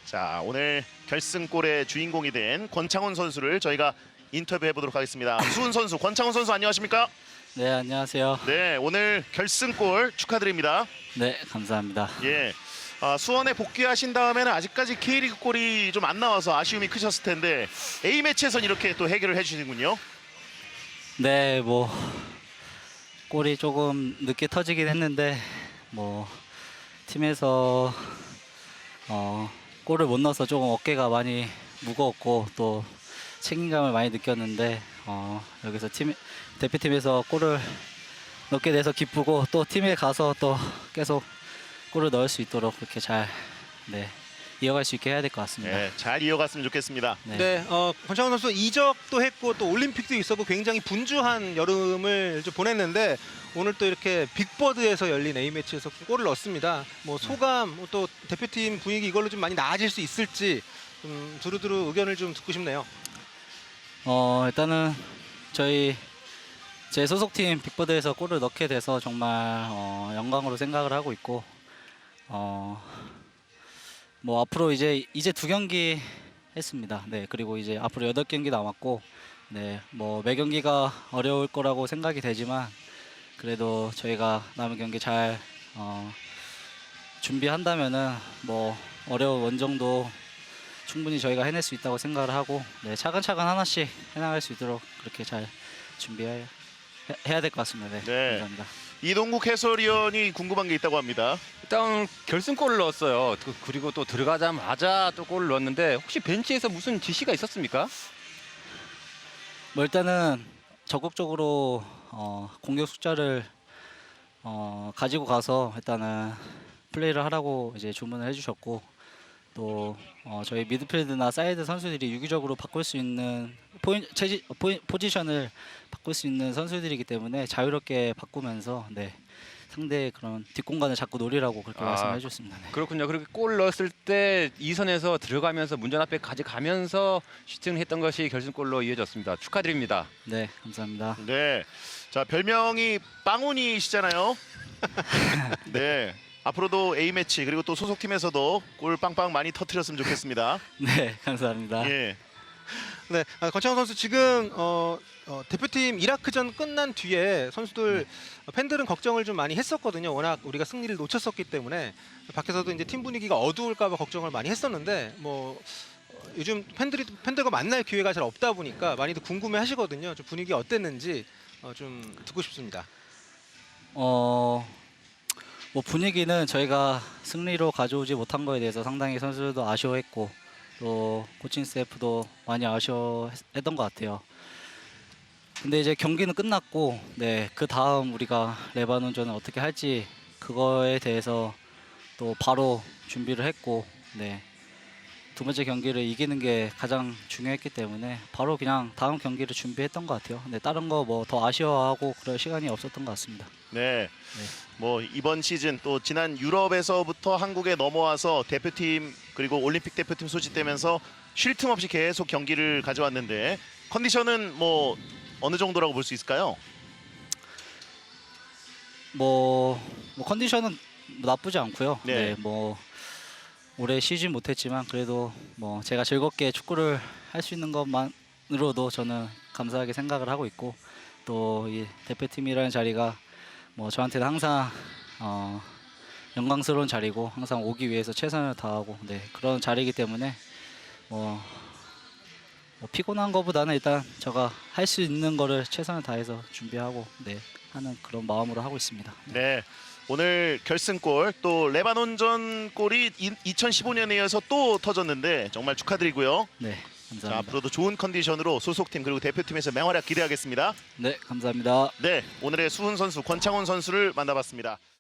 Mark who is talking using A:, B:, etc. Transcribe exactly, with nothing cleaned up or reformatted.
A: 자, 오늘 결승골의 주인공이 된 권창훈 선수를 저희가 인터뷰해 보도록 하겠습니다. 수훈 선수, 권창훈 선수 안녕하십니까?
B: 네, 안녕하세요.
A: 네, 오늘 결승골 축하드립니다.
B: 네, 감사합니다.
A: 예, 아, 수원에 복귀하신 다음에는 아직까지 K리그 골이 좀 안 나와서 아쉬움이 크셨을 텐데 A매치에선 이렇게 또 해결을 해주시는군요.
B: 네, 뭐 골이 조금 늦게 터지긴 했는데 뭐 팀에서 어, 골을 못 넣어서 조금 어깨가 많이 무거웠고 또 책임감을 많이 느꼈는데 어, 여기서 팀 대표팀에서 골을 넣게 돼서 기쁘고 또 팀에 가서 또 계속 골을 넣을 수 있도록 그렇게 잘 네, 이어갈 수 있게 해야 될 것 같습니다.
A: 네, 잘 이어갔으면 좋겠습니다.
B: 네.
C: 네, 어, 권창훈 선수 이적도 했고 또 올림픽도 있었고 굉장히 분주한 여름을 좀 보냈는데 오늘 또 이렇게 빅버드에서 열린 A매치에서 골을 넣었습니다. 뭐 소감, 뭐또 대표팀 분위기 이걸로 좀 많이 나아질 수 있을지 좀 두루두루 의견을 좀 듣고 싶네요.
B: 어 일단은 저희 제 소속팀 빅버드에서 골을 넣게 돼서 정말 어, 영광으로 생각을 하고 있고 어, 뭐 앞으로 이제 이제 두 경기 했습니다. 네, 그리고 이제 앞으로 여덟 경기 남았고 네, 뭐 매 경기가 어려울 거라고 생각이 되지만 그래도 저희가 남은 경기 잘 어, 준비한다면은 뭐 어려운 원정도 충분히 저희가 해낼 수 있다고 생각을 하고 네, 차근차근 하나씩 해나갈 수 있도록 그렇게 잘 준비해야 해야 될 것 같습니다. 네,
A: 네.
B: 감사합니다.
A: 이동국 해설위원이 궁금한 게 있다고 합니다.
D: 일단 결승골을 넣었어요. 그- 그리고 또 들어가자마자 또 골을 넣었는데 혹시 벤치에서 무슨 지시가 있었습니까?
B: 뭐 일단은 적극적으로 어, 공격 숫자를 어, 가지고 가서 일단은 플레이를 하라고 이제 주문을 해주셨고 또 어, 저희 미드필드나 사이드 선수들이 유기적으로 바꿀 수 있는 포인, 체지, 포인, 포지션을 바꿀 수 있는 선수들이기 때문에 자유롭게 바꾸면서 네, 상대의 그런 뒷공간을 자꾸 노리라고 그렇게
D: 아,
B: 말씀해 주셨습니다. 네.
D: 그렇군요. 그렇게 골 넣었을 때 이선에서 들어가면서 문전 앞에 가져가면서 슈팅을 했던 것이 결승골로 이어졌습니다. 축하드립니다.
B: 네, 감사합니다.
A: 네, 자 별명이 빵훈이시잖아요. 네, 앞으로도 A 매치 그리고 또 소속팀에서도 골 빵빵 많이 터트렸으면 좋겠습니다.
B: 네, 감사합니다.
A: 예,
C: 네, 아, 권창훈 선수 지금 어, 어, 대표팀 이라크전 끝난 뒤에 선수들 어, 팬들은 걱정을 좀 많이 했었거든요. 워낙 우리가 승리를 놓쳤었기 때문에 밖에서도 이제 팀 분위기가 어두울까봐 걱정을 많이 했었는데 뭐 어, 요즘 팬들이 팬들과 만날 기회가 잘 없다 보니까 많이들 궁금해하시거든요. 좀 분위기 어땠는지 어, 좀 듣고 싶습니다.
B: 어, 뭐 분위기는 저희가 승리로 가져오지 못한 거에 대해서 상당히 선수들도 아쉬워했고 또 코칭 스태프도 많이 아쉬워했던 것 같아요. 근데 이제 경기는 끝났고 네, 그 다음 우리가 레바논전을 어떻게 할지 그거에 대해서 또 바로 준비를 했고 네, 두 번째 경기를 이기는 게 가장 중요했기 때문에 바로 그냥 다음 경기를 준비했던 것 같아요. 근데 다른 거 뭐 더 아쉬워하고 그럴 시간이 없었던 것 같습니다.
A: 네.
B: 네.
A: 뭐 이번 시즌 또 지난 유럽에서부터 한국에 넘어와서 대표팀 그리고 올림픽 대표팀 소집되면서 쉴 틈 없이 계속 경기를 가져왔는데 컨디션은 뭐 어느 정도라고 볼 수 있을까요?
B: 뭐, 뭐 컨디션은 뭐 나쁘지 않고요.
A: 네.
B: 네. 뭐 올해 쉬진 못했지만 그래도 뭐 제가 즐겁게 축구를 할 수 있는 것만으로도 저는 감사하게 생각을 하고 있고 또 이 대표팀이라는 자리가 뭐 저한테는 항상 어, 영광스러운 자리고 항상 오기 위해서 최선을 다하고 네, 그런 자리이기 때문에 뭐, 뭐 피곤한 것보다는 일단 제가 할 수 있는 거를 최선을 다해서 준비하고 네, 하는 그런 마음으로 하고 있습니다.
A: 네. 오늘 결승골 또 레바논전 골이 이천십오 년에 이어서 또 터졌는데 정말 축하드리고요.
B: 네,
A: 자,
B: 감사합니다.
A: 앞으로도 좋은 컨디션으로 소속팀 그리고 대표팀에서 맹활약 기대하겠습니다.
B: 네, 감사합니다.
A: 네, 오늘의 수훈 선수, 권창훈 선수를 만나봤습니다.